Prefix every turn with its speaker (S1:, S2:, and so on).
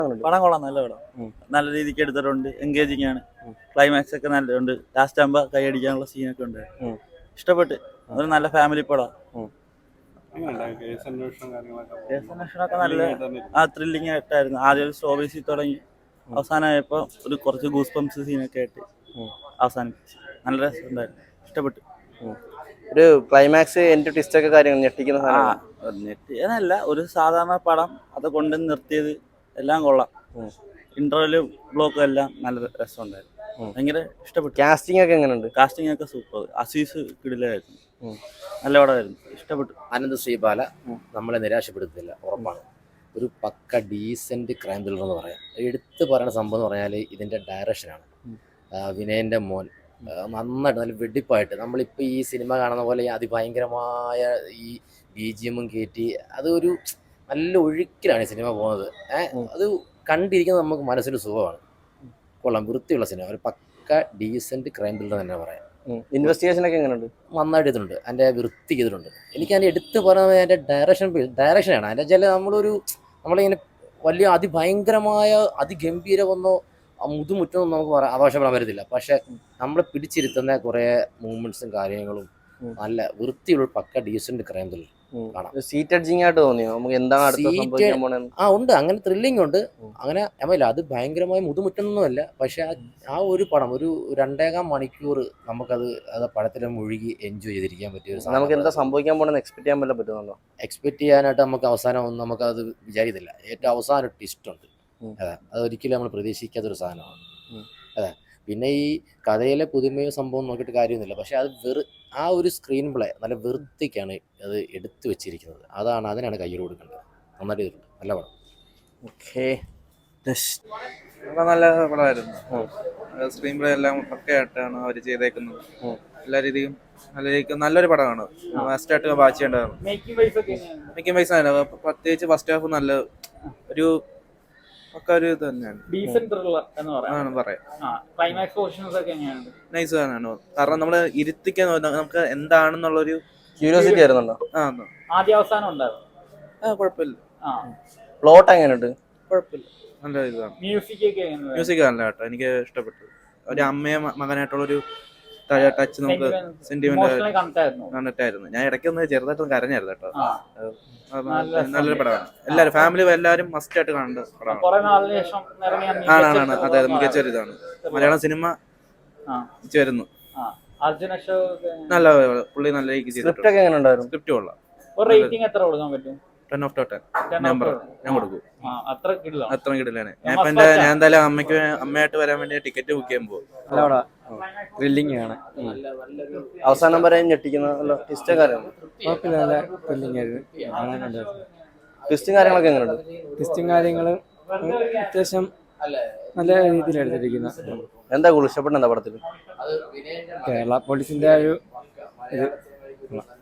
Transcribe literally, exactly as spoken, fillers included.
S1: പടം കൊള്ളാം, നല്ല പടം. നല്ല രീതിക്ക് എടുത്തിട്ടുണ്ട്, എൻഗേജിങ് ആണ്. ക്ലൈമാക്സ് ഒക്കെ നല്ലുണ്ട്. ലാസ്റ്റ് ആകുമ്പോ കൈയടിക്കാനുള്ള സീനൊക്കെ ഉണ്ട്. ഇഷ്ടപ്പെട്ട്. ഒരു നല്ല ഫാമിലി പടം. കേസ് അന്വേഷണമൊക്കെ നല്ല ആ ത്രില്ലിംഗ് ആയിട്ടായിരുന്നു. ആദ്യം ഒരു സ്ലോ ബേസിൽ തുടങ്ങി അവസാനമായപ്പോ ഒരു കുറച്ച് ഗൂസ് പംപ്സ് സീനൊക്കെ ആയിട്ട് അവസാനിപ്പിച്ചു. നല്ല രസമുണ്ടായിരുന്നു, ഇഷ്ടപ്പെട്ടു.
S2: ഒരു ക്ലൈമാക്സ് എൻഡ് ട്വിസ്റ്റ് ഒക്കെ കാര്യങ്ങൾ ഞെട്ടിക്കുന്ന
S1: ഞെട്ടിയതല്ല, ഒരു സാധാരണ പടം അത് കൊണ്ട് നിർത്തിയത് എല്ലാം കൊള്ളാം. ഇന്റർവെല് ബ്ലോക്കും എല്ലാം നല്ല രസമുണ്ടായിരുന്നു, ഭയങ്കര ഇഷ്ടപ്പെട്ടു.
S2: കാസ്റ്റിംഗ് ഒക്കെ എങ്ങനെയുണ്ട്?
S1: കാസ്റ്റിംഗ് ഒക്കെ സൂപ്പർ. അസീസ് കിടിലായിരുന്നു, നല്ല പടമായിരുന്നു, ഇഷ്ടപ്പെട്ടു.
S3: ആനന്ദ് ശ്രീബാല നമ്മളെ നിരാശപ്പെടുത്തില്ല, ഉറപ്പാണ്. ഒരു പക്ക ഡീസൻറ്റ് ക്രൈം ത്രില്ലർ എന്ന് പറയാം. എടുത്ത് പറയുന്ന സംഭവം എന്ന് പറഞ്ഞാൽ ഇതിൻ്റെ ഡയറക്ഷനാണ്. വിനയൻ്റെ മോൻ നന്നായിട്ട് നല്ല വെടിപ്പായിട്ട് നമ്മളിപ്പോൾ ഈ സിനിമ കാണുന്ന പോലെ അതിഭയങ്കരമായ ഈ ബി ജി എമ്മും കയറ്റി അതൊരു നല്ല ഒഴുക്കിലാണ് ഈ സിനിമ പോകുന്നത്. ഏഹ് അത് കണ്ടിരിക്കുന്നത് നമുക്ക് മനസ്സിൽ സുഖമാണ്. കൊള്ളാം, വൃത്തിയുള്ള സിനിമ, ഒരു പക്ക ഡീസൻറ്റ് ക്രൈം ത്രില്ലർ തന്നെ പറയാം.
S2: ഇൻവെസ്റ്റിഗേഷൻ ഒക്കെ എങ്ങനെയുണ്ട്?
S3: നന്നായിട്ട് ചെയ്തിട്ടുണ്ട്, അതിൻ്റെ വൃത്തി ചെയ്തിട്ടുണ്ട്. എനിക്ക് അതിൻ്റെ എടുത്ത് പറയുന്നത് അതിൻ്റെ ഡയറക്ഷൻ ഡയറക്ഷനാണ്. അതിൻ്റെ വെച്ചാൽ നമ്മളൊരു നമ്മളിങ്ങനെ വലിയ അതിഭയങ്കരമായ അതിഗംഭീരമൊന്നോ മുതുമുറ്റൊന്നും നമുക്ക് പറയാം ആഘോഷപ്പെടാൻ പറ്റത്തില്ല. പക്ഷെ നമ്മളെ പിടിച്ചിരുത്തുന്ന കുറേ മൂവ്മെന്റ്സും കാര്യങ്ങളും നല്ല വൃത്തിയുള്ള പക്ക ഡീസന്റ് ക്രൈം ത്രില്ലർ കാണാം.
S2: സീറ്റ് എഡ്ജിങ് ആയിട്ട് തോന്നിയോ? നമുക്ക് എന്താണ്
S3: ആ ഉണ്ട്, അങ്ങനെ ത്രില്ലിംഗ് ഉണ്ട്. അങ്ങനെ അമ്മയില്ല, അത് ഭയങ്കരമായ മുതുമുറ്റൊന്നുമല്ല. പക്ഷെ ആ ഒരു പടം ഒരു രണ്ടേകാം മണിക്കൂർ നമുക്കത് അത് പടത്തിൽ മുഴുകി എൻജോയ് ചെയ്തിരിക്കാൻ പറ്റിയ ഒരു സാധനം.
S2: നമുക്ക് എന്താ സംഭവിക്കാൻ പോണെന്ന് എക്സ്പെക്ട് ചെയ്യാൻ പറ്റാൻ പറ്റുന്നുണ്ടോ?
S3: എക്സ്പെക്ട് ചെയ്യാനായിട്ട് നമുക്ക് അവസാനം ഒന്നും നമുക്കത് വിചാരിക്കുന്നില്ല. ഏറ്റവും അവസാനം ഒരു ട്വിസ്റ്റ് ഉണ്ട്, അതെ, അതൊരിക്കലും നമ്മൾ പ്രതീക്ഷിക്കാത്തൊരു സാധനമാണ്. അതെ, പിന്നെ ഈ കഥയിലെ പുതുമയോ സംഭവം നോക്കിയിട്ട് കാര്യമൊന്നുമില്ല. പക്ഷെ അത് വെറു ആ ഒരു സ്ക്രീൻ പ്ലേ നല്ല വൃത്തിക്കാണ് അത് എടുത്തു വെച്ചിരിക്കുന്നത്. അതാണ് അതിനാണ് കയ്യിൽ കൊടുക്കേണ്ടത്. നന്നായിട്ട് ചെയ്തിട്ടുണ്ട്, നല്ല പടം.
S2: ഓക്കെ,
S4: നല്ല പടമായിരുന്നു. സ്ക്രീൻ പ്ലേ എല്ലാം പക്കയായിട്ടാണ് അവർ ചെയ്തേക്കുന്നത്. എല്ലാ രീതിയും നല്ല രീതിക്ക് നല്ലൊരു പടമാണ്. ഫസ്റ്റായിട്ട് വാച്ച് ചെയ്യേണ്ടതാണ്. മേക്കിംഗ് വൈസ് ആണ്, പ്രത്യേകിച്ച് ഫസ്റ്റ് ഹാഫ് നല്ല ഒരു ഒക്കെ ഒരു ഇത് തന്നെയാണ്. നൈസ് ആണ്. കാരണം നമ്മള് ഇരുത്തിക്കാൻ നമുക്ക് എന്താണെന്നുള്ളൊരു
S2: ക്യൂരിയോസിറ്റി ആയിരുന്നുണ്ടോ?
S4: ആ കുഴപ്പമില്ല.
S2: പ്ലോട്ട് എങ്ങനെയുണ്ട്?
S4: കുഴപ്പമില്ല, നല്ല ഇതാണ്. മ്യൂസിക് നല്ല കേട്ടോ, എനിക്ക് ഇഷ്ടപ്പെട്ടു. ഒരു അമ്മയും മകനായിട്ടുള്ളൊരു ടച്ച് നമുക്ക് സെന്റിമെന്റ് കണ്ടിട്ടായിരുന്നു. ഞാൻ ഇടയ്ക്കൊന്ന് ചെറുതായിട്ടൊന്ന് കരഞ്ഞായിരുന്നു കേട്ടോ. നല്ലൊരു പടമാണ്. എല്ലാവരും ഫാമിലി എല്ലാവരും മസ്റ്റ് ആയിട്ട് കാണേണ്ട പടമാണ്. ആണാണ്, അതെ, മികച്ചൊരു ഇതാണ്. മലയാളം സിനിമ വരുന്നു. നല്ല പുള്ളി നല്ല രീതിക്ക് ചെയ്തിട്ടുണ്ട്. സ്ക്രിപ്റ്റ് കൊള്ളാം. ടെൻ ഓഫ് ടെൻ നമ്പർ ഞാൻ കൊടുക്കും. അത്ര കിടിലാണ്. ഞാൻ ഇപ്പൊ എന്റെ ഞാൻ എന്തായാലും അമ്മയ്ക്ക് അമ്മയായിട്ട് വരാൻ വേണ്ടി ടിക്കറ്റ് ബുക്ക് ചെയ്യാൻ പോകും.
S5: ത്രില്ലിംഗ് ആണ്.
S2: അവസാനം വരെ ഞെട്ടിക്കുന്ന ട്വിസ്റ്റ് കാര്യങ്ങൾ ട്വിസ്റ്റും കാര്യങ്ങളൊക്കെ എങ്ങനെയുണ്ട്?
S5: ട്വിസ്റ്റും കാര്യങ്ങളും അത്യാവശ്യം നല്ല രീതിയിൽ എടുത്തിരിക്കുന്ന.
S2: എന്താ കൂടുതൽ ഇഷ്ടപ്പെട്ട എന്താ പടത്തിൽ?
S5: കേരള പോലീസിന്റെ ഒരു ഇത്